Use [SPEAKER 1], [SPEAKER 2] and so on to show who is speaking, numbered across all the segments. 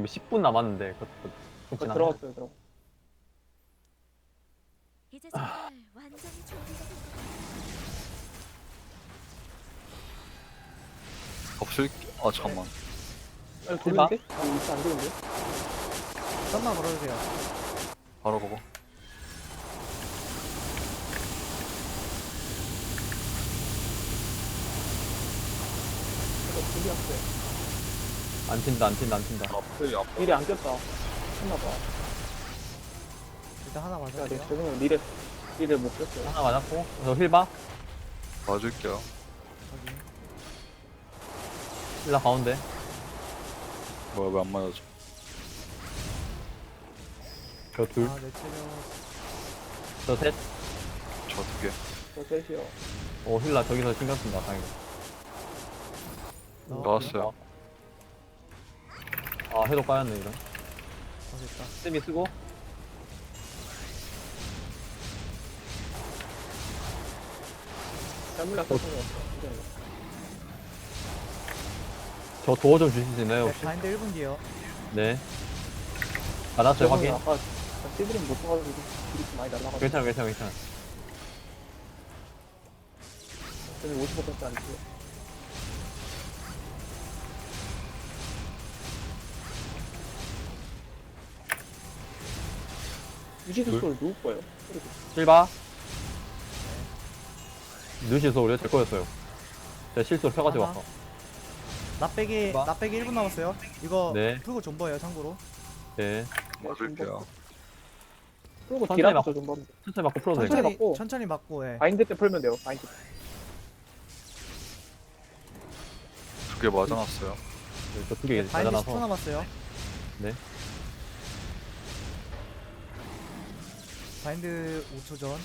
[SPEAKER 1] 지금 10분 남았는데 그렇진 않아요.
[SPEAKER 2] 들어갔어요.
[SPEAKER 3] 이제 정말 완전히 준비가 된 것
[SPEAKER 4] 없을 아 잠깐만.
[SPEAKER 2] 아니, 돌리는데? 아니, 이거 안 되는데?
[SPEAKER 5] 썸만 걸어주세요.
[SPEAKER 4] 바로 보고.
[SPEAKER 2] 이거 준비했어요.
[SPEAKER 1] 안 튄다.
[SPEAKER 4] 앞에 앞.
[SPEAKER 2] 미리 안 꼈다. 했나봐.
[SPEAKER 5] 일단 하나
[SPEAKER 2] 야, 내
[SPEAKER 5] 맞을게요.
[SPEAKER 2] 죄송해요. 미래 못 꼈어요.
[SPEAKER 1] 하나 맞았고 저 힐바
[SPEAKER 4] 봐줄게요.
[SPEAKER 5] 확인.
[SPEAKER 1] 힐라 가운데
[SPEAKER 4] 뭐야 왜 안 맞아줘?
[SPEAKER 1] 저 둘
[SPEAKER 5] 아, 내 체력.
[SPEAKER 1] 저 셋.
[SPEAKER 4] 저 두 개.
[SPEAKER 2] 저 셋이요.
[SPEAKER 1] 힐라 저기서 신경 쓴다 다행이다.
[SPEAKER 4] 나왔어요.
[SPEAKER 1] 아 해도 까였네 이런.
[SPEAKER 5] 됐다.
[SPEAKER 1] 쌤이 쓰고
[SPEAKER 2] 잘못 났어.
[SPEAKER 1] 저 도어 좀 주실 수 있나요
[SPEAKER 5] 네,
[SPEAKER 1] 혹시?
[SPEAKER 5] 바인드 1분 뒤에요.
[SPEAKER 1] 네. 받았어요 확인.
[SPEAKER 2] 아까 시드림 못 봐가지고 딜이 좀 많이 날라가지고.
[SPEAKER 1] 괜찮아.
[SPEAKER 2] 저는 50%밖에 안 돼요. 유지수 소리 누구 거예요?
[SPEAKER 1] 힐바. 누시 소리요? 제 거였어요. 제가 실수로 펴가지고
[SPEAKER 5] 하나.
[SPEAKER 1] 왔어.
[SPEAKER 5] 나빼기
[SPEAKER 1] 봐.
[SPEAKER 5] 1분 남았어요. 이거
[SPEAKER 1] 네.
[SPEAKER 5] 풀고 존버예요, 참고로.
[SPEAKER 1] 네.
[SPEAKER 4] 맞을게요.
[SPEAKER 2] 그리고
[SPEAKER 1] 천천히
[SPEAKER 2] 딜하고
[SPEAKER 1] 막-
[SPEAKER 2] 좀 봐.
[SPEAKER 1] 천천히 맞고 풀어도
[SPEAKER 2] 천천히
[SPEAKER 1] 될까요?
[SPEAKER 2] 맞고.
[SPEAKER 5] 천천히 맞고, 예.
[SPEAKER 2] 바인드 때 풀면 돼요. 바인드 때.
[SPEAKER 4] 두 개 맞아놨어요.
[SPEAKER 1] 네, 저 두 개
[SPEAKER 5] 바인드 10초
[SPEAKER 1] 맞아놔서.
[SPEAKER 5] 남았어요.
[SPEAKER 1] 네.
[SPEAKER 5] 바인드 5초 전.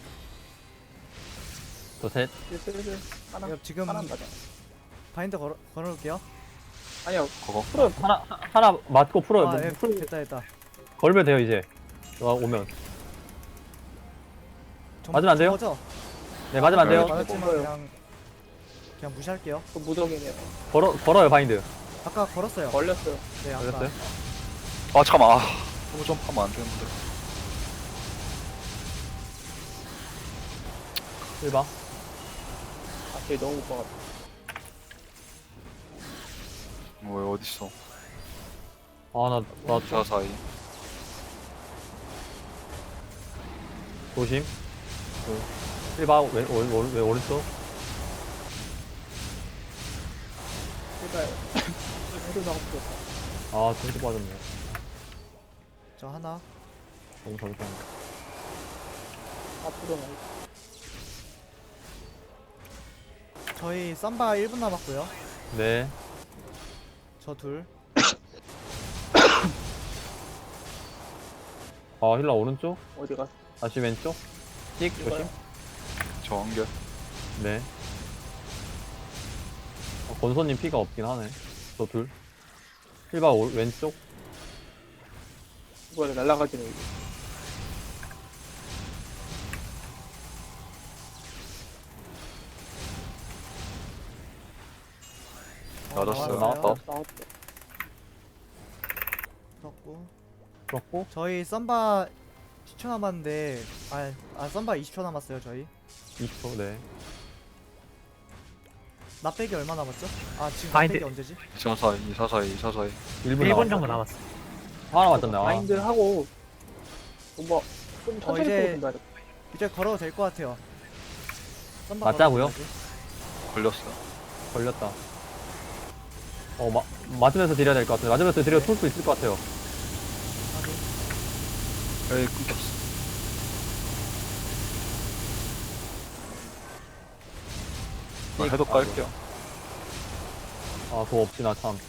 [SPEAKER 1] 저 셋.
[SPEAKER 2] 슬슬 하나.
[SPEAKER 5] 이거 지금
[SPEAKER 2] 하나 맞아.
[SPEAKER 5] 바인드 걸어놓을게요.
[SPEAKER 2] 아니요.
[SPEAKER 4] 그거.
[SPEAKER 2] 풀어요.
[SPEAKER 1] 하나 맞고 풀어요.
[SPEAKER 5] 아, 예,
[SPEAKER 1] 풀
[SPEAKER 5] 됐다.
[SPEAKER 1] 걸면 돼요 이제. 오면. 맞으면 안 돼요?
[SPEAKER 5] 존버죠?
[SPEAKER 1] 네 맞으면 안 돼요.
[SPEAKER 4] 네.
[SPEAKER 5] 맞았지만
[SPEAKER 2] 뭔가요?
[SPEAKER 5] 그냥 무시할게요.
[SPEAKER 2] 그 무적이네요.
[SPEAKER 1] 걸어요 바인드.
[SPEAKER 5] 아까 걸었어요.
[SPEAKER 2] 걸렸어요.
[SPEAKER 5] 네, 아까.
[SPEAKER 1] 걸렸어요?
[SPEAKER 4] 아 잠깐만. 너무 점프하면 안 되는데.
[SPEAKER 1] 힐바.
[SPEAKER 2] 아, 걔 너무 못 봐가지고.
[SPEAKER 4] 왜 어딨어?
[SPEAKER 1] 아나
[SPEAKER 4] 자 사이.
[SPEAKER 1] 조심. 힐바 왜 오른쪽?
[SPEAKER 2] 제가요. 해도 나고 싶었다.
[SPEAKER 1] 아 진짜 빠졌네.
[SPEAKER 5] 저 하나.
[SPEAKER 1] 너무 잘못했네.
[SPEAKER 2] 앞으로 나.
[SPEAKER 5] 저희 쌈바 1분 남았고요.
[SPEAKER 1] 네.
[SPEAKER 5] 저 둘.
[SPEAKER 1] 아 힐라 오른쪽.
[SPEAKER 2] 어디 갔어?
[SPEAKER 1] 다시 왼쪽. 찍 조심.
[SPEAKER 2] 이거요?
[SPEAKER 4] 저 한 개.
[SPEAKER 1] 네. 권소님 피가 없긴 하네. 저 둘. 힐바 왼쪽.
[SPEAKER 2] 이거를 날라가지는 이게.
[SPEAKER 4] 맞았어요.
[SPEAKER 1] 나왔다.
[SPEAKER 2] 나왔어.
[SPEAKER 5] 풀었고.
[SPEAKER 1] 그렇고.
[SPEAKER 5] 저희 쌈바 10초 남았는데, 쌈바 20초 남았어요, 저희.
[SPEAKER 1] 2초. 네.
[SPEAKER 5] 나빼기 얼마 남았죠? 아, 지금
[SPEAKER 6] 바인드.
[SPEAKER 5] 나빼기 언제지?
[SPEAKER 4] 2사 사이, 2사 사이, 2사 사이.
[SPEAKER 1] 1분
[SPEAKER 6] 1분 정도 남았어.
[SPEAKER 1] 하나 맞췄네. 아.
[SPEAKER 2] 마인드 하고 좀 천천히
[SPEAKER 5] 이제-
[SPEAKER 2] 풀어준다.
[SPEAKER 5] 이제 걸어도 될 것 같아요. 쌈바
[SPEAKER 1] 맞자고요?
[SPEAKER 5] 걸어도
[SPEAKER 4] 걸렸어요.
[SPEAKER 1] 걸렸다. 맞으면서 드려야 될 것 같아요. 맞으면서 드려 풀 수 있을 것 같아요.
[SPEAKER 5] 되지?
[SPEAKER 4] 에이 끊겼어. 나 해도 깔게요.
[SPEAKER 1] 아, 그거 없지, 나 참.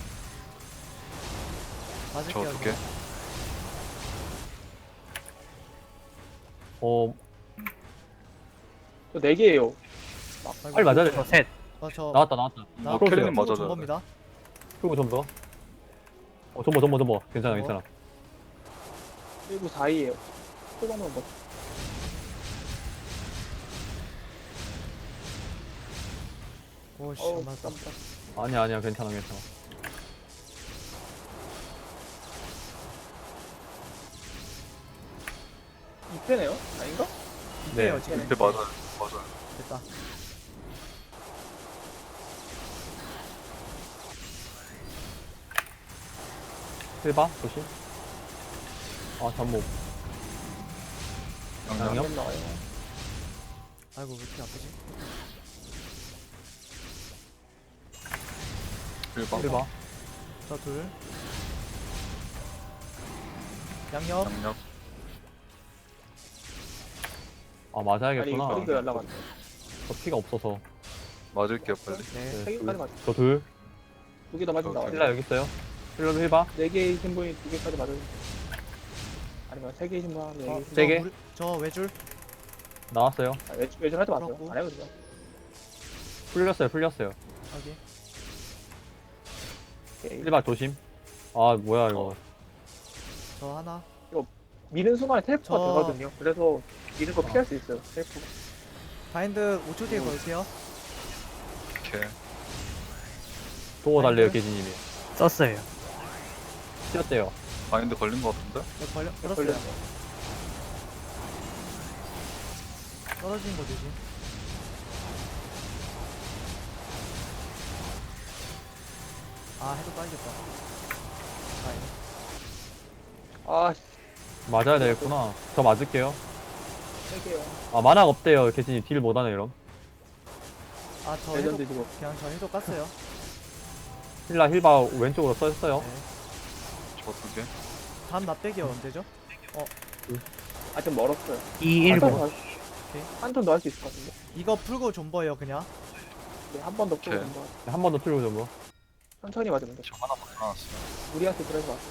[SPEAKER 5] 맞을게요.
[SPEAKER 4] 저 두 개.
[SPEAKER 2] 저 4개예요.
[SPEAKER 1] 빨리 맞아야 돼.
[SPEAKER 6] 저 셋.
[SPEAKER 5] 저
[SPEAKER 1] 나왔다.
[SPEAKER 4] 뭐 캐리는 맞아줘야 돼.
[SPEAKER 5] 존버입니다.
[SPEAKER 1] 그리고 좀 더. 전보. 괜찮아.
[SPEAKER 2] 그리고 4위예요. 초반은 뭐
[SPEAKER 5] 오씨,
[SPEAKER 2] 어우
[SPEAKER 5] 맞다.
[SPEAKER 2] 깜짝.
[SPEAKER 1] 아니야, 괜찮아.
[SPEAKER 2] 밑에네요? 아닌가?
[SPEAKER 5] 이때요
[SPEAKER 1] 네.
[SPEAKER 5] 지금.
[SPEAKER 4] 밑에 맞아요. 맞아요.
[SPEAKER 5] 됐다.
[SPEAKER 1] 힐바 조심. 아 잠목.
[SPEAKER 4] 양념.
[SPEAKER 1] 양념?
[SPEAKER 2] 나와요.
[SPEAKER 5] 아이고 왜 이렇게 아프지?
[SPEAKER 4] 1번.
[SPEAKER 1] 힐바.
[SPEAKER 5] 저 둘. 양옆.
[SPEAKER 4] 양념.
[SPEAKER 1] 아
[SPEAKER 2] 아니
[SPEAKER 1] 맞아야겠구나.
[SPEAKER 2] 이거 허리가 날라갔네.
[SPEAKER 1] 저 피가 없어서.
[SPEAKER 4] 맞을게요, 빨리.
[SPEAKER 5] 네.
[SPEAKER 1] 네,
[SPEAKER 2] 3개까지 맞아.
[SPEAKER 1] 저 둘.
[SPEAKER 2] 2개 더 맞으면 나와요.
[SPEAKER 1] 힐라 여기 있어요. 힐러도 힐바.
[SPEAKER 2] 4개이신 분이 2개까지 맞으면 아니면 3개이신 분 하면 4개.
[SPEAKER 1] 세 개?
[SPEAKER 5] 저 외줄.
[SPEAKER 1] 나왔어요.
[SPEAKER 2] 외줄 하지 마세요.
[SPEAKER 5] 그렇고.
[SPEAKER 2] 안 해요 그냥.
[SPEAKER 1] 풀렸어요.
[SPEAKER 5] 여기.
[SPEAKER 2] 오케이.
[SPEAKER 1] 힐바 조심. 아 뭐야 이거.
[SPEAKER 5] 저 하나.
[SPEAKER 2] 미는 순간에 텔프가
[SPEAKER 5] 저-
[SPEAKER 2] 되거든요. 그래서 미는 거 피할 수 있어요. 텔프가.
[SPEAKER 5] 바인드 5초 뒤에 걸게요.
[SPEAKER 4] 오케이.
[SPEAKER 1] 도어 달래요
[SPEAKER 5] 아이고.
[SPEAKER 1] 계진님이.
[SPEAKER 6] 썼어요.
[SPEAKER 1] 튀었대요.
[SPEAKER 4] 바인드 걸린 거 같은데?
[SPEAKER 5] 네, 걸었어요.
[SPEAKER 2] 걸렸네.
[SPEAKER 5] 떨어지는 거 조심. 아 해도 빨겠다. 바인드.
[SPEAKER 2] 아,
[SPEAKER 1] 맞아야 되겠구나. 저 맞을게요.
[SPEAKER 2] 3개요.
[SPEAKER 1] 아 만화가 없대요 계진님. 딜 못하네 이럼.
[SPEAKER 5] 아저 해도
[SPEAKER 2] 레전드 지금.
[SPEAKER 5] 그냥 저 해도 깠어요.
[SPEAKER 1] 힐라 힐바 왼쪽으로 써있어요.
[SPEAKER 5] 네.
[SPEAKER 4] 저 2개.
[SPEAKER 5] 다음 납대기 언제죠?
[SPEAKER 2] 아직 멀었어요.
[SPEAKER 6] 2, 1, 5.
[SPEAKER 2] 한턴 더 할 수 있을 것 같은데.
[SPEAKER 5] 이거 풀고 존버예요 그냥.
[SPEAKER 2] 네, 한 번 더 풀고
[SPEAKER 4] 오케이.
[SPEAKER 2] 한번
[SPEAKER 1] 한 번 더 틀고 좀 뭐.
[SPEAKER 2] 천천히 맞으면 돼.
[SPEAKER 4] 저 하나만 나왔어요.
[SPEAKER 2] 우리한테 들어서 맞어.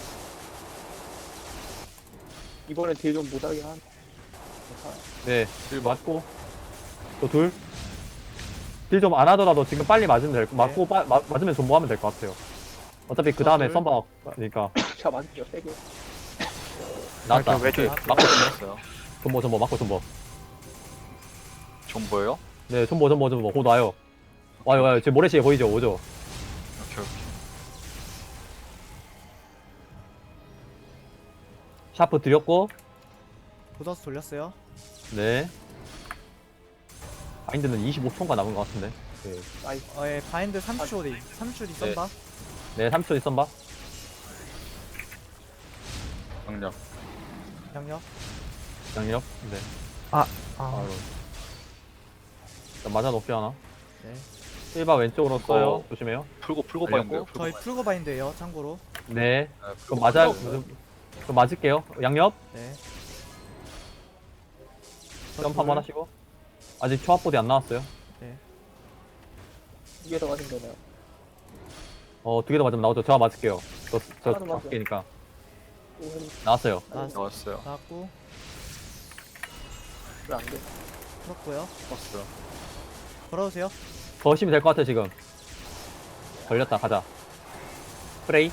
[SPEAKER 2] 이번엔 딜 좀 못하게 한. 괜찮아요.
[SPEAKER 1] 네. 딜 맞고. 또 둘. 딜 좀 안 하더라도 지금 빨리 맞으면 될 거. 맞고 맞으면 존버하면 될 것 같아요. 어차피 그 다음에
[SPEAKER 5] 둘.
[SPEAKER 1] 썸바니까
[SPEAKER 2] 제가 맞을게요. 3개.
[SPEAKER 1] 나왔다.
[SPEAKER 6] 왜 줘?
[SPEAKER 1] 맞고
[SPEAKER 4] 맞았어요.
[SPEAKER 1] 존버 맞고 존버.
[SPEAKER 4] 존버예요?
[SPEAKER 1] 네 존버 곧 와요. 와요 지금 모래시계 보이죠? 오죠?
[SPEAKER 4] 오케이, 오케이.
[SPEAKER 1] 샤프 드렸고.
[SPEAKER 5] 보더스 돌렸어요.
[SPEAKER 1] 네. 바인드는 25초인가 남은 것 같은데. 네,
[SPEAKER 2] 나이스.
[SPEAKER 5] 예, 바인드 3초 뒤. 3초 뒤 썬다.
[SPEAKER 1] 네 3초 있선 봐.
[SPEAKER 4] 양념.
[SPEAKER 5] 양옆.
[SPEAKER 1] 양력. 네.
[SPEAKER 6] 아,
[SPEAKER 1] 바로. 일단 맞아 높게 하나.
[SPEAKER 5] 네.
[SPEAKER 1] 1바 왼쪽으로 써요.
[SPEAKER 4] 어.
[SPEAKER 1] 조심해요.
[SPEAKER 4] 풀고
[SPEAKER 1] 알렸고,
[SPEAKER 4] 바인드요. 풀고
[SPEAKER 5] 저희
[SPEAKER 4] 바인드.
[SPEAKER 5] 풀고 바인드예요. 참고로.
[SPEAKER 1] 네.
[SPEAKER 4] 네,
[SPEAKER 1] 그럼
[SPEAKER 4] 풀고
[SPEAKER 1] 맞아.
[SPEAKER 4] 바인드.
[SPEAKER 1] 그럼 맞을게요. 양옆.
[SPEAKER 5] 네. 저
[SPEAKER 1] 점프
[SPEAKER 5] 둘.
[SPEAKER 1] 한번 하시고. 아직 초합보디 안 나왔어요.
[SPEAKER 2] 2개 더 맞으면 되네요.
[SPEAKER 1] 2개 더 맞으면 나오죠. 저 맞을게요. 저
[SPEAKER 2] 하나도 맞아요.
[SPEAKER 1] 5개니까.
[SPEAKER 2] 오, 헬
[SPEAKER 1] 나왔어요.
[SPEAKER 4] 나왔어요.
[SPEAKER 5] 나왔고
[SPEAKER 2] 왜안 돼?
[SPEAKER 5] 풀었고요.
[SPEAKER 4] 풀었어요.
[SPEAKER 5] 걸어오세요.
[SPEAKER 1] 더 하시면 될 것 같아, 지금. 걸렸다, 가자. 프레이.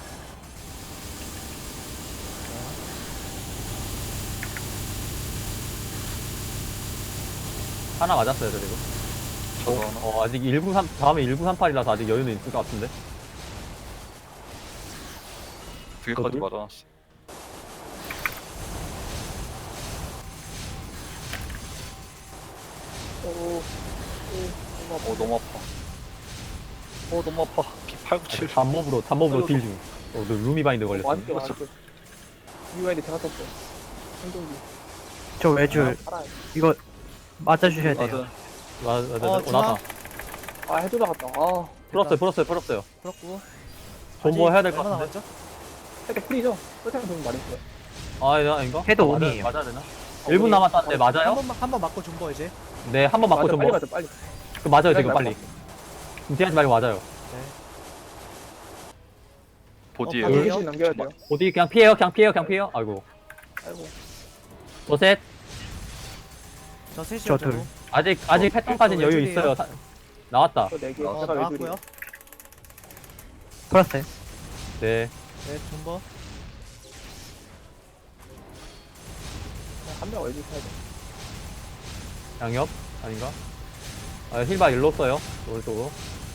[SPEAKER 1] 하나 맞았어요, 저 지금.
[SPEAKER 4] 저도 하나.
[SPEAKER 1] 아직 1938, 다음에 1938이라서 아직 여유는 있을 것 같은데.
[SPEAKER 4] 2개까지
[SPEAKER 1] 둘?
[SPEAKER 4] 맞아놨어.
[SPEAKER 2] 오,
[SPEAKER 4] 너무 아파. 너무 아파. 피 8, 9, 7.
[SPEAKER 1] 단몹으로 딜 중. 너 루미 바인드 걸렸어.
[SPEAKER 2] 맞을게, 맞을게. 이와인데 제가 썼어. 행동기.
[SPEAKER 6] 저 외줄
[SPEAKER 2] 살아요.
[SPEAKER 6] 이거 맞아주셔야 돼요.
[SPEAKER 4] 맞아.
[SPEAKER 1] 맞아, 나왔다.
[SPEAKER 2] 아, 해도 나갔다. 아,
[SPEAKER 1] 풀었어요.
[SPEAKER 5] 풀었고.
[SPEAKER 1] 존버 해야 될 것
[SPEAKER 5] 얼마
[SPEAKER 1] 같은데.
[SPEAKER 5] 남았죠?
[SPEAKER 2] 살짝 풀이죠? 설탕 좀 말했어요.
[SPEAKER 1] 아닌가?
[SPEAKER 6] 해도
[SPEAKER 1] 맞아야-
[SPEAKER 6] 온이에요.
[SPEAKER 1] 맞아야 되나? 1분 남았다는데 맞아요?
[SPEAKER 5] 한번 맞고 존버 이제.
[SPEAKER 1] 네, 한 번 맞고
[SPEAKER 2] 맞아,
[SPEAKER 1] 존버.
[SPEAKER 2] 빨리 맞아, 빨리.
[SPEAKER 1] 그 맞아요, 지금
[SPEAKER 2] 빨리
[SPEAKER 1] 빨리. 뒤하지 말고 맞아요.
[SPEAKER 5] 네.
[SPEAKER 4] 보디에요.
[SPEAKER 5] 바디에요?
[SPEAKER 2] 대신 남겨야 돼요.
[SPEAKER 1] 어디 그냥 피해요. 아이고.
[SPEAKER 2] 아이고.
[SPEAKER 1] 도셋.
[SPEAKER 5] 저 셋이요.
[SPEAKER 6] 저 둘.
[SPEAKER 5] 저도.
[SPEAKER 1] 아직
[SPEAKER 5] 저
[SPEAKER 1] 패턴까지는 여유
[SPEAKER 5] 왼쪽이에요.
[SPEAKER 1] 있어요. 나왔다.
[SPEAKER 2] 저 4개.
[SPEAKER 5] 어,
[SPEAKER 2] 제가
[SPEAKER 5] 나왔고요.
[SPEAKER 2] 외줄이에요.
[SPEAKER 6] 풀었어요.
[SPEAKER 1] 네.
[SPEAKER 5] 네, 존버.
[SPEAKER 2] 한명 외줄 해야 돼.
[SPEAKER 1] 양옆 아닌가? 힐바 일로 써요. 오른쪽으로.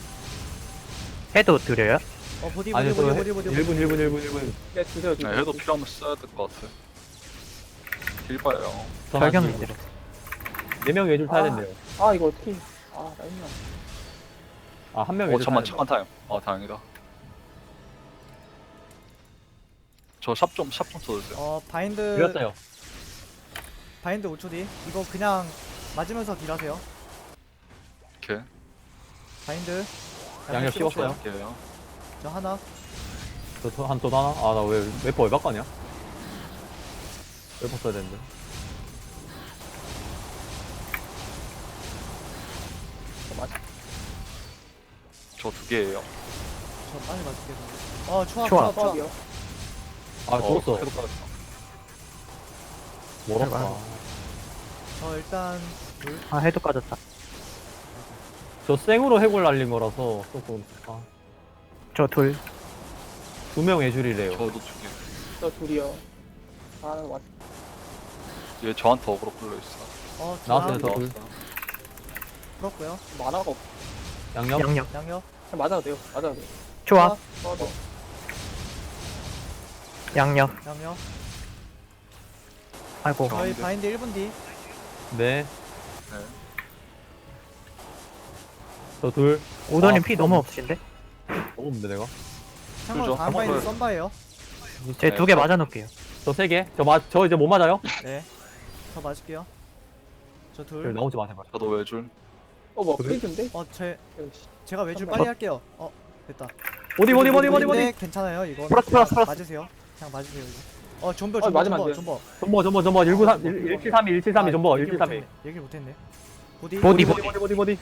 [SPEAKER 6] 해도 드려요?
[SPEAKER 5] 보디
[SPEAKER 1] 아니,
[SPEAKER 5] 보디
[SPEAKER 1] 저
[SPEAKER 5] 보디 보디 보디.
[SPEAKER 1] 1분.
[SPEAKER 2] 네, 주세요, 주세요.
[SPEAKER 4] 네, 해도 필요하면 써야 될 것 같아요. 딜봐요.
[SPEAKER 6] 발견인데.
[SPEAKER 1] 4명 외줄 타야 된대요.
[SPEAKER 2] 아 이거 어떻게 나 있나.
[SPEAKER 1] 아, 한 명
[SPEAKER 4] 오
[SPEAKER 1] 외줄 타야
[SPEAKER 4] 잠만
[SPEAKER 1] 된다.
[SPEAKER 4] 잠깐 타임. 다행이다. 저 샵 좀 써주세요.
[SPEAKER 5] 바인드
[SPEAKER 1] 드렸어요.
[SPEAKER 5] 바인드 5초 뒤. 이거 그냥 맞으면서 딜하세요.
[SPEAKER 4] 오케이.
[SPEAKER 5] 바인드.
[SPEAKER 1] 양옆 씹었어요.
[SPEAKER 4] 할게요.
[SPEAKER 5] 저 하나.
[SPEAKER 1] 또 하나? 아, 나 왜, 웨퍼 왜 바꿨냐? 웨퍼 써야 되는데.
[SPEAKER 4] 저 2개예요.
[SPEAKER 5] 저 빨리 맞을게요. 초합
[SPEAKER 6] 초합.
[SPEAKER 2] 수업이요.
[SPEAKER 1] 아, 죽었어.
[SPEAKER 4] 해도 빠졌어.
[SPEAKER 1] 멀었다.
[SPEAKER 5] 저 일단 둘.
[SPEAKER 6] 아, 해도 까졌다.
[SPEAKER 1] 저 생으로 해골 날린 거라서 조금,
[SPEAKER 6] 저 둘.
[SPEAKER 1] 2명 외줄이래요.
[SPEAKER 4] 저도 2개.
[SPEAKER 2] 저 둘이요. 하나 왔.
[SPEAKER 4] 얘 저한테 어그로 끌려 있어.
[SPEAKER 1] 나왔어요,
[SPEAKER 5] 중앙
[SPEAKER 1] 저 둘.
[SPEAKER 5] 풀었고요.
[SPEAKER 2] 만화가 없.
[SPEAKER 1] 양념?
[SPEAKER 6] 양력.
[SPEAKER 5] 양옆.
[SPEAKER 2] 그냥 맞아도 돼요. 맞아도 돼요.
[SPEAKER 6] 초합.
[SPEAKER 2] 또
[SPEAKER 6] 양력.
[SPEAKER 5] 양옆.
[SPEAKER 6] 아이고.
[SPEAKER 5] 저희
[SPEAKER 4] 가운데.
[SPEAKER 5] 바인드 1분 뒤.
[SPEAKER 1] 네.
[SPEAKER 4] 네.
[SPEAKER 1] 저 둘.
[SPEAKER 6] 오더님
[SPEAKER 1] 아,
[SPEAKER 6] 피 너무 없으신데?
[SPEAKER 1] 먹었는데, 내가?
[SPEAKER 5] 참고로
[SPEAKER 4] 그죠?
[SPEAKER 5] 다음 바인드
[SPEAKER 4] 한번
[SPEAKER 5] 썬바예요.
[SPEAKER 6] 제
[SPEAKER 4] 네,
[SPEAKER 6] 2개 맞아 놓을게요.
[SPEAKER 1] 저 3개. 저 이제 못 맞아요?
[SPEAKER 5] 네. 저 맞을게요. 저
[SPEAKER 1] 저
[SPEAKER 5] 둘.
[SPEAKER 1] 나오지 마세요.
[SPEAKER 4] 저도 외줄.
[SPEAKER 2] 뭐
[SPEAKER 1] 그래?
[SPEAKER 2] 프리즈인데?
[SPEAKER 5] 제가 외줄
[SPEAKER 2] 썬바.
[SPEAKER 5] 빨리 할게요. 됐다.
[SPEAKER 1] 어디?
[SPEAKER 5] 괜찮아요, 이거.
[SPEAKER 6] 플러스.
[SPEAKER 5] 맞으세요. 그냥 맞으세요, 이거. 존버,
[SPEAKER 2] 맞으면 안 돼요.
[SPEAKER 5] 존버.
[SPEAKER 1] 전버, 1732, 전버, 1732.
[SPEAKER 5] 얘기를 못했네. 보디.
[SPEAKER 6] 보디.
[SPEAKER 1] 보디.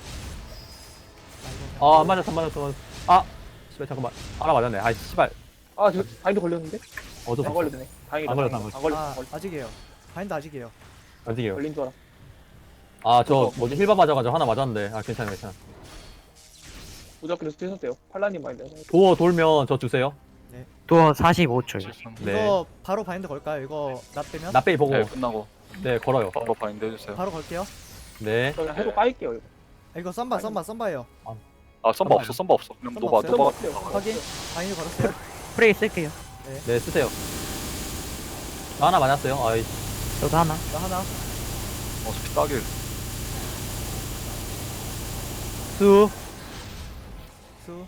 [SPEAKER 5] 아,
[SPEAKER 1] 안 맞았어. 아, 씨발, 잠깐만. 하나 맞았네. 아, 씨발.
[SPEAKER 2] 저 바인드 걸렸는데?
[SPEAKER 1] 어쩔 수
[SPEAKER 2] 안
[SPEAKER 1] 없어.
[SPEAKER 2] 걸렸네. 다행이다.
[SPEAKER 1] 안 걸렸어,
[SPEAKER 2] 다행이다.
[SPEAKER 1] 안
[SPEAKER 2] 안 걸렸어.
[SPEAKER 5] 아,
[SPEAKER 2] 안 걸렸어.
[SPEAKER 5] 아직이에요. 바인드 아직이에요.
[SPEAKER 1] 아직이에요.
[SPEAKER 2] 걸린 줄 알아.
[SPEAKER 1] 아, 저 뭐지 힐바 맞아가지고 하나 맞았는데. 아, 괜찮아.
[SPEAKER 2] 무조건 쓰셨대요. 팔라님 바인드.
[SPEAKER 1] 도어 돌면 저 주세요.
[SPEAKER 6] 또 45초요.
[SPEAKER 1] 네.
[SPEAKER 5] 이거 바로 바인드 걸까요? 이거 납 빼면?
[SPEAKER 1] 나빼이 보고.
[SPEAKER 4] 네, 끝나고
[SPEAKER 1] 네, 걸어요.
[SPEAKER 4] 바로 바인드 해주세요.
[SPEAKER 5] 바로 걸게요.
[SPEAKER 1] 네.
[SPEAKER 2] 저 그냥 해도 까일게요. 이거.
[SPEAKER 5] 이거 썬바예요.
[SPEAKER 4] 썬바 없어. 그냥
[SPEAKER 5] 썬바
[SPEAKER 4] 노바
[SPEAKER 5] 없어요?
[SPEAKER 4] 노바.
[SPEAKER 2] 없어요.
[SPEAKER 5] 확인. 바인드 걸었어요.
[SPEAKER 6] 프레이 쓸게요.
[SPEAKER 1] 네, 쓰세요. 저 하나 맞았어요. 아이,
[SPEAKER 6] 저도 하나.
[SPEAKER 5] 나 하나.
[SPEAKER 4] 어차피 따길.
[SPEAKER 1] 수.
[SPEAKER 5] 수.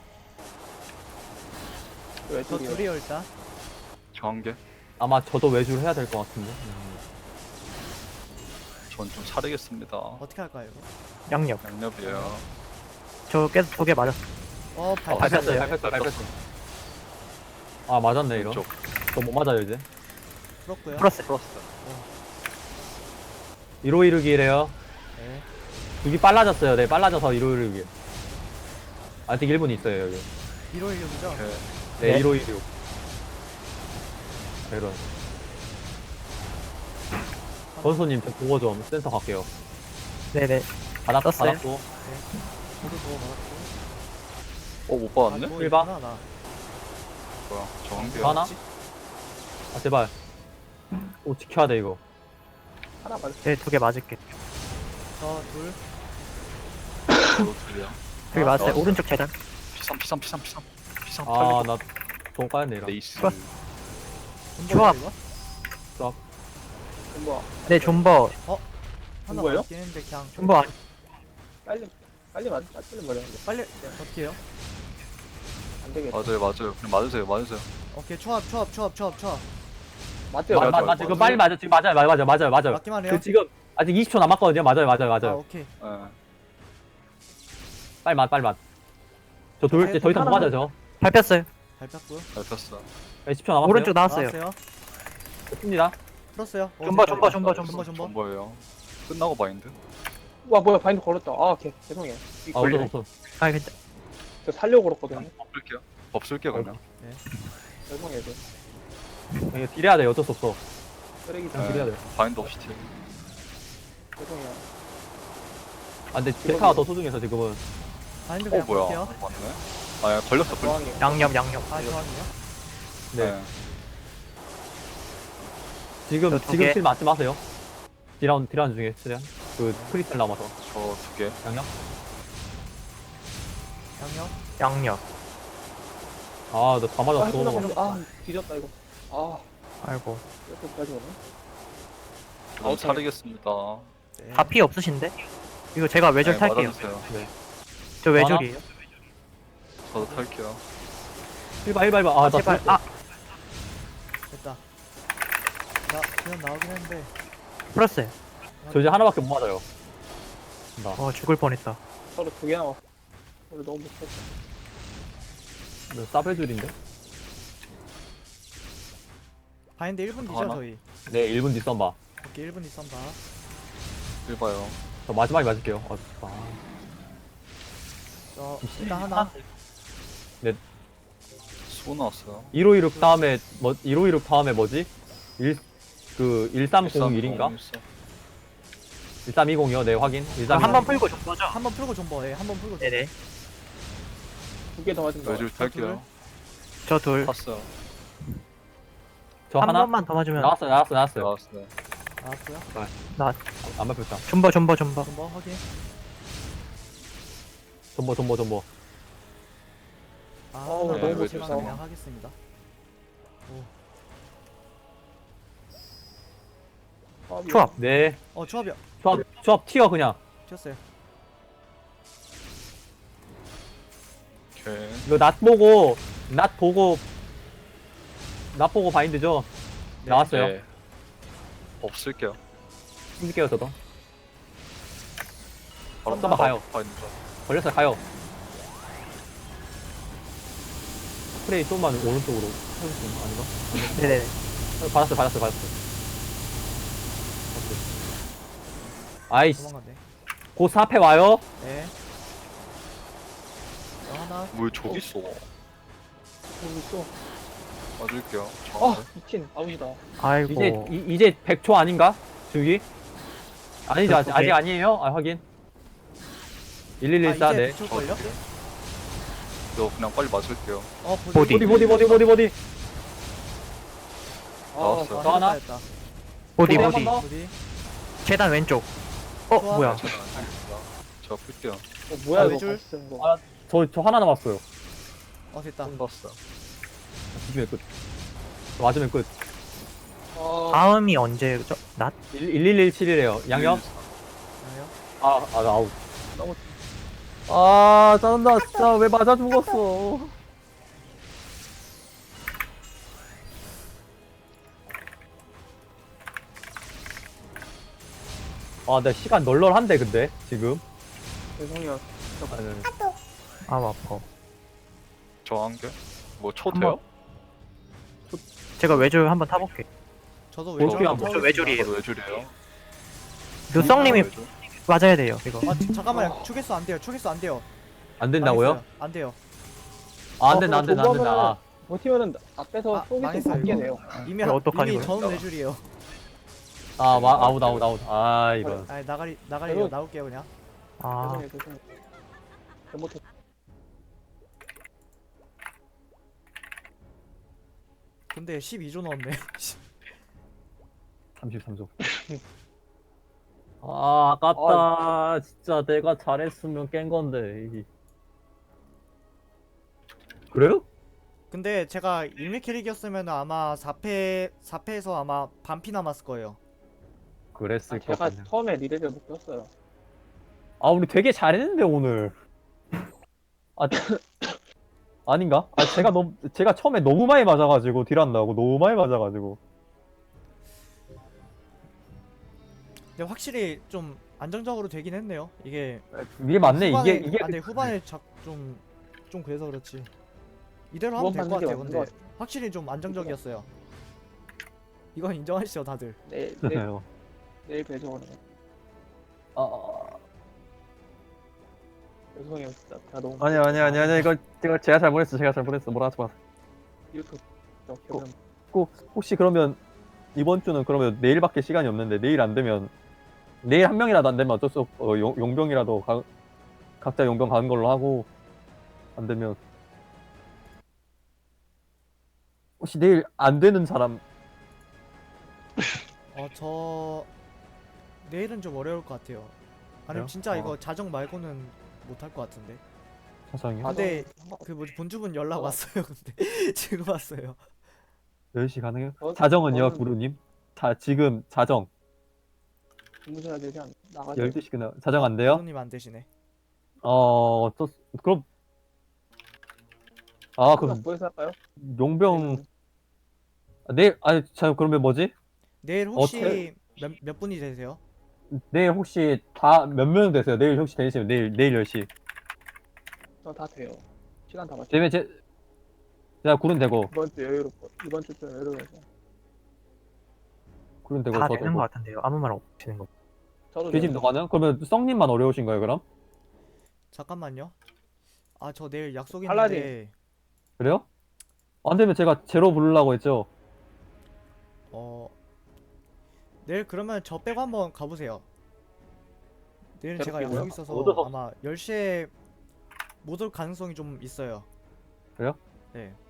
[SPEAKER 2] 왜
[SPEAKER 5] 저
[SPEAKER 2] 둘이요?
[SPEAKER 5] 둘이요, 일단.
[SPEAKER 4] 저 한 개.
[SPEAKER 1] 아마 저도 외줄 해야 될 것 같은데.
[SPEAKER 4] 전 좀 차리겠습니다.
[SPEAKER 5] 어떻게 할까요, 이거?
[SPEAKER 6] 양력.
[SPEAKER 4] 양념이에요.
[SPEAKER 6] 저 계속 2개 맞았어.
[SPEAKER 1] 밟혔어요.
[SPEAKER 4] 밟혔어요.
[SPEAKER 1] 밟혔어요. 아, 맞았네, 이런.
[SPEAKER 4] 왼쪽.
[SPEAKER 1] 저 못 맞아요, 이제.
[SPEAKER 5] 풀었고요.
[SPEAKER 6] 플러스.
[SPEAKER 4] 플러스.
[SPEAKER 1] 1호 이르기래요.
[SPEAKER 5] 네.
[SPEAKER 1] 두기 빨라졌어요. 네, 빨라져서 1호 이르기. 아직 1분 있어요, 여기.
[SPEAKER 5] 1호 1력이죠?
[SPEAKER 4] 오케이.
[SPEAKER 1] 네,
[SPEAKER 6] 네.
[SPEAKER 1] 1호 16. 이런. 권소님, 저 보고 좀 센터 갈게요.
[SPEAKER 6] 네네.
[SPEAKER 1] 받았고.
[SPEAKER 6] 떴어요?
[SPEAKER 1] 받았고.
[SPEAKER 5] 저도 그거 받았고.
[SPEAKER 4] 못 받았네?
[SPEAKER 5] 뭐
[SPEAKER 1] 일바?
[SPEAKER 5] 있구나, 나.
[SPEAKER 4] 뭐야? 저 한 개.
[SPEAKER 1] 하나? 아, 제발. 오, 지켜야 돼, 이거.
[SPEAKER 2] 하나 맞았어.
[SPEAKER 6] 제 2개 맞을게.
[SPEAKER 5] 저 둘.
[SPEAKER 4] 저도 둘이야.
[SPEAKER 6] 2개 맞았어요.
[SPEAKER 4] 나왔어.
[SPEAKER 6] 오른쪽 재단.
[SPEAKER 4] P3.
[SPEAKER 1] 아, 나, 돈 까였네, 이런.
[SPEAKER 4] 레이스.
[SPEAKER 6] 플러스.
[SPEAKER 5] 존버예요,
[SPEAKER 6] 조합.
[SPEAKER 5] 이거?
[SPEAKER 2] 뭐
[SPEAKER 6] 네, 존버.
[SPEAKER 5] 하나
[SPEAKER 2] 뭐예요?
[SPEAKER 5] 맞긴 했는데 그냥
[SPEAKER 6] 존버 아니.
[SPEAKER 2] 빨리 맞았는데.
[SPEAKER 5] 빨리 어떻게 해요?
[SPEAKER 2] 안 되겠다.
[SPEAKER 4] 맞아요. 그냥 맞으세요.
[SPEAKER 5] 오케이, 초합.
[SPEAKER 2] 맞대요.
[SPEAKER 4] 맞아요.
[SPEAKER 1] 지금 빨리 맞아. 지금 맞아요.
[SPEAKER 5] 맞기만 해요?
[SPEAKER 1] 그 지금, 아직 20초 남았거든요. 맞아요.
[SPEAKER 5] 아, 오케이.
[SPEAKER 4] 예.
[SPEAKER 1] 빨리 맞. 저 돌, 이제 더 이상 못 맞아요, 저.
[SPEAKER 6] 밟혔어요.
[SPEAKER 5] 밟혔고요.
[SPEAKER 4] 밟혔어.
[SPEAKER 1] 네, 10초 남았어요.
[SPEAKER 6] 오른쪽 나왔어요.
[SPEAKER 1] 씁니다.
[SPEAKER 5] 풀었어요.
[SPEAKER 6] 존버.
[SPEAKER 5] 존버.
[SPEAKER 4] 뭐예요? 끝나고 바인드.
[SPEAKER 2] 와 뭐야 바인드 걸었다. 아 오케이 죄송해요.
[SPEAKER 1] 아, 없어.
[SPEAKER 6] 아, 괜찮.
[SPEAKER 2] 저 살려고 걸었거든요.
[SPEAKER 4] 법 쓸게요 그러면.
[SPEAKER 2] 죄송해요.
[SPEAKER 1] 이거 딜해야 돼요. 어쩔 수 없어.
[SPEAKER 2] 쓰레기
[SPEAKER 1] 그냥 딜해야 돼요.
[SPEAKER 4] 바인드 없이 딜.
[SPEAKER 2] 죄송해요.
[SPEAKER 1] 아, 근데 데카가 더 소중해서 지금은.
[SPEAKER 5] 바인드 그냥
[SPEAKER 4] 뭐야?
[SPEAKER 5] 볼게요.
[SPEAKER 4] 맞네. 아, 걸렸어.
[SPEAKER 2] 저항이요.
[SPEAKER 6] 양력.
[SPEAKER 5] 아, 저항이요?
[SPEAKER 1] 네. 지금
[SPEAKER 6] 저 두 개.
[SPEAKER 1] 딜 맞지 마세요. 딜라운드 중에 최대한. 그 크리스탈 남아서.
[SPEAKER 4] 저 2개.
[SPEAKER 1] 양념?
[SPEAKER 5] 양력.
[SPEAKER 1] 아, 나 다 맞았어.
[SPEAKER 2] 아 뒤졌다 이거. 아
[SPEAKER 6] 아이고.
[SPEAKER 2] 이렇게까지 오네.
[SPEAKER 4] 좀 차리겠습니다.
[SPEAKER 5] 네.
[SPEAKER 6] 다 피 없으신데? 이거 제가 외줄
[SPEAKER 4] 네,
[SPEAKER 6] 탈게요.
[SPEAKER 4] 맞아주세요.
[SPEAKER 6] 저 외줄이에요.
[SPEAKER 4] 저도 탈게요.
[SPEAKER 1] 1바 1바 1바. 아, 나
[SPEAKER 6] 제발.
[SPEAKER 1] 죽었어.
[SPEAKER 6] 아,
[SPEAKER 5] 됐다. 나 그냥 나오긴 했는데.
[SPEAKER 6] 풀었어요.
[SPEAKER 1] 저 이제 하나밖에 못 맞아요. 나
[SPEAKER 6] 죽을 뻔했다.
[SPEAKER 2] 서로 2개 남았어. 우리 너무 못했어.
[SPEAKER 1] 싸배줄인데?
[SPEAKER 5] 바인드 1분 뒤죠
[SPEAKER 4] 하나?
[SPEAKER 5] 저희.
[SPEAKER 1] 네, 1분 뒤 썬바.
[SPEAKER 5] 오케이 1분 뒤 썬바.
[SPEAKER 4] 1봐요.
[SPEAKER 1] 저 마지막에 맞을게요. 아,
[SPEAKER 5] 저 일단 하나.
[SPEAKER 4] 수고 나왔어요.
[SPEAKER 1] 1516 다음에 1516 다음에 뭐지? 1301인가? 1320이요. 네, 확인. 1320.
[SPEAKER 6] 한번 풀고 좀 꺼져.
[SPEAKER 5] 한 번 풀고 존버. 예, 한 번 풀고 존버.
[SPEAKER 6] 네네.
[SPEAKER 2] 2개 더 맞은 거.
[SPEAKER 4] 외줄 탈게요.
[SPEAKER 6] 저 둘.
[SPEAKER 4] 탔어요.
[SPEAKER 1] 저
[SPEAKER 6] 한
[SPEAKER 1] 하나?
[SPEAKER 6] 번만 더 맞으면.
[SPEAKER 1] 나왔어요.
[SPEAKER 4] 나왔어요.
[SPEAKER 5] 나왔고요.
[SPEAKER 1] 안 밟혔다.
[SPEAKER 6] 존버, 존버, 존버.
[SPEAKER 5] 존버 확인.
[SPEAKER 1] 전보.
[SPEAKER 5] 아,
[SPEAKER 2] 어우,
[SPEAKER 5] 하나
[SPEAKER 4] 너무
[SPEAKER 5] 너무
[SPEAKER 4] 못했어.
[SPEAKER 5] 제가 그냥 하겠습니다.
[SPEAKER 6] 초합.
[SPEAKER 1] 네.
[SPEAKER 5] 초합이야.
[SPEAKER 1] 조합 튀어 그냥.
[SPEAKER 5] 튀었어요.
[SPEAKER 4] 오케이.
[SPEAKER 1] 이거 낫 보고 바인드죠?
[SPEAKER 5] 네.
[SPEAKER 1] 나왔어요.
[SPEAKER 4] 네. 없을게요.
[SPEAKER 1] 힘줄게요 저도.
[SPEAKER 4] 바로
[SPEAKER 1] 썬바 가요.
[SPEAKER 4] 바인드죠.
[SPEAKER 1] 걸렸어요 가요. 스프레이 좀만 오른쪽으로 해줄 수 있나? 아닌가?
[SPEAKER 6] 네네네.
[SPEAKER 1] 받았어요. 오케이. 아이씨,
[SPEAKER 5] 도망갔네.
[SPEAKER 1] 곧 4패 와요.
[SPEAKER 5] 네. 저 하나.
[SPEAKER 4] 뭘 저기 있어?
[SPEAKER 2] 여기 있어.
[SPEAKER 4] 맞을게요.
[SPEAKER 2] 아,
[SPEAKER 4] 정확히.
[SPEAKER 2] 미친. 아웃이다.
[SPEAKER 6] 아이고.
[SPEAKER 1] 이제 100초 아닌가? 주기? 아니죠, 아직
[SPEAKER 6] 오케이.
[SPEAKER 1] 아니에요? 아, 확인. 1114, 네.
[SPEAKER 5] 이제 걸려?
[SPEAKER 4] 저 그냥 빨리 맞을게요.
[SPEAKER 6] 보디.
[SPEAKER 1] 보디.
[SPEAKER 4] 나왔어요.
[SPEAKER 1] 저 하나?
[SPEAKER 5] 됐다.
[SPEAKER 6] 보디,
[SPEAKER 1] 한
[SPEAKER 6] 보디.
[SPEAKER 1] 번 더?
[SPEAKER 5] 보디.
[SPEAKER 6] 계단 왼쪽.
[SPEAKER 5] 좋아.
[SPEAKER 6] 뭐야.
[SPEAKER 4] 제가 안 살겠습니다. 제가 풀게요.
[SPEAKER 2] 뭐야,
[SPEAKER 5] 아,
[SPEAKER 2] 이거.
[SPEAKER 5] 외줄?
[SPEAKER 2] 같이 쓰는 거.
[SPEAKER 1] 아, 저 하나 남았어요.
[SPEAKER 5] 됐다.
[SPEAKER 4] 봤어요.
[SPEAKER 1] 뒤지면 끝. 맞으면 끝.
[SPEAKER 6] 다음이 언제죠? 낫?
[SPEAKER 1] 11171이에요. 양념?
[SPEAKER 5] 아요.
[SPEAKER 1] 나 아웃.
[SPEAKER 2] 너무
[SPEAKER 1] 짜증나. 진짜 왜 맞아 죽었어. 내 시간 널널한데, 근데, 지금.
[SPEAKER 2] 죄송해요.
[SPEAKER 1] 아니,
[SPEAKER 6] 아, 아파.
[SPEAKER 4] 저 한 개? 뭐 초
[SPEAKER 6] 한
[SPEAKER 4] 돼요?
[SPEAKER 6] 제가 외줄 한번 타볼게.
[SPEAKER 5] 저도
[SPEAKER 1] 어떻게
[SPEAKER 5] 외줄
[SPEAKER 1] 안
[SPEAKER 5] 한번
[SPEAKER 6] 저 외줄이에요.
[SPEAKER 4] 저도 외줄이에요.
[SPEAKER 6] 누성님이
[SPEAKER 4] 외줄.
[SPEAKER 6] 맞아야 돼요, 이거.
[SPEAKER 5] 잠깐만요. 추겠어 안 돼요. 추겠어 안 돼요.
[SPEAKER 1] 안 된다고요?
[SPEAKER 5] 망했어요. 안 돼요.
[SPEAKER 1] 안 된다.
[SPEAKER 2] 버티면은 앞에서
[SPEAKER 5] 아,
[SPEAKER 2] 쏘기 좀
[SPEAKER 5] 망했어요,
[SPEAKER 2] 받게
[SPEAKER 5] 이거.
[SPEAKER 2] 돼요.
[SPEAKER 5] 이미
[SPEAKER 6] 이거 어떡하니,
[SPEAKER 5] 이미
[SPEAKER 6] 이거?
[SPEAKER 5] 저는 외줄이에요.
[SPEAKER 1] 아웃. 이런.
[SPEAKER 5] 아, 나가리요.
[SPEAKER 2] 그리고-
[SPEAKER 5] 나올게요 그냥.
[SPEAKER 6] 아,
[SPEAKER 2] 죄송해요. 잘못했.
[SPEAKER 5] 근데 12조 넣었네.
[SPEAKER 1] 33조. 아깝다. 진짜 내가 잘했으면 깬 건데. 그래요?
[SPEAKER 5] 근데 제가 일미 캐릭이었으면 아마 4패에서 아마 반피 남았을 거예요.
[SPEAKER 1] 그랬을 것
[SPEAKER 2] 제가
[SPEAKER 1] 같네.
[SPEAKER 2] 처음에 리레를 못 꼈어요.
[SPEAKER 1] 우리 되게 잘했는데, 오늘. 아닌가? 제가 처음에 너무 많이 맞아가지고, 딜 한다고. 너무 많이 맞아가지고.
[SPEAKER 5] 근데 확실히 좀 안정적으로 되긴 했네요. 이게
[SPEAKER 1] 이게 맞네.
[SPEAKER 5] 후반에,
[SPEAKER 1] 이게.
[SPEAKER 5] 근데 후반에 좀 그래서 그렇지. 이대로 하면 될
[SPEAKER 2] 후반
[SPEAKER 5] 것 같아요.
[SPEAKER 2] 맞는 게
[SPEAKER 5] 근데
[SPEAKER 2] 맞는
[SPEAKER 5] 확실히 좀 안정적이었어요. 이건 인정하시죠, 다들.
[SPEAKER 2] 내일 배송하는 거. 죄송해요, 진짜. 제가 너무.
[SPEAKER 1] 아니야. 이거 제가 잘못했어. 뭐라 하지 마.
[SPEAKER 2] 이렇게. 기억은
[SPEAKER 1] 혹시 그러면, 이번 주는 그러면 내일밖에 시간이 없는데, 내일 안 되면, 내일 한 명이라도 안 되면 어쩔 수 없고, 용병이라도 각자 용병 가는 걸로 하고, 안 되면. 혹시 내일 안 되는 사람,
[SPEAKER 5] 저 내일은 좀 어려울 것 같아요. 아니면
[SPEAKER 1] 그래요?
[SPEAKER 5] 진짜 이거 자정 말고는 못할 것 같은데.
[SPEAKER 1] 사장이요?
[SPEAKER 5] 근데 그 뭐지 본주분 연락 왔어요. 근데 지금 왔어요.
[SPEAKER 1] 10시 가능해요?
[SPEAKER 2] 저-
[SPEAKER 1] 자정은요,
[SPEAKER 2] 저는-
[SPEAKER 1] 구루님? 지금 자정.
[SPEAKER 2] 주무셔야 되지 않나? 나가자.
[SPEAKER 1] 12시 그냥 자정 안 돼요?
[SPEAKER 5] 부모님 안 되시네.
[SPEAKER 1] 그럼 그럼
[SPEAKER 2] 뭐해서 할까요?
[SPEAKER 1] 용병 내일 자 그러면 뭐지?
[SPEAKER 5] 내일 혹시 몇 분이 되세요?
[SPEAKER 1] 내일 혹시 다 몇 명 되세요? 내일 혹시 되시면 내일 10시.
[SPEAKER 2] 저다 돼요. 시간 다 맞춰.
[SPEAKER 1] 되면 제가 구른 되고
[SPEAKER 2] 이번 주 여유롭고 이번 주 좀 여유로워서.
[SPEAKER 1] 구른 되고
[SPEAKER 6] 다
[SPEAKER 1] 저도
[SPEAKER 6] 되는 것
[SPEAKER 1] 뭐
[SPEAKER 6] 같은데요. 아무 말 없으시는 거.
[SPEAKER 2] 저도
[SPEAKER 1] 계집도
[SPEAKER 2] 돼요.
[SPEAKER 1] 가능? 그러면 썽님만 어려우신 거예요 그럼?
[SPEAKER 5] 잠깐만요. 아, 저 내일 약속
[SPEAKER 2] 팔라딘.
[SPEAKER 5] 있는데
[SPEAKER 1] 그래요? 안 되면 제가 제로 부르려고 했죠.
[SPEAKER 5] 내일 그러면 저 빼고 한번 가보세요. 내일은 제가
[SPEAKER 2] 제로
[SPEAKER 5] 약속
[SPEAKER 2] 빼고요?
[SPEAKER 5] 있어서
[SPEAKER 1] 어디서?
[SPEAKER 5] 아마 10시에 못 올 가능성이 좀 있어요.
[SPEAKER 1] 그래요?
[SPEAKER 5] 네.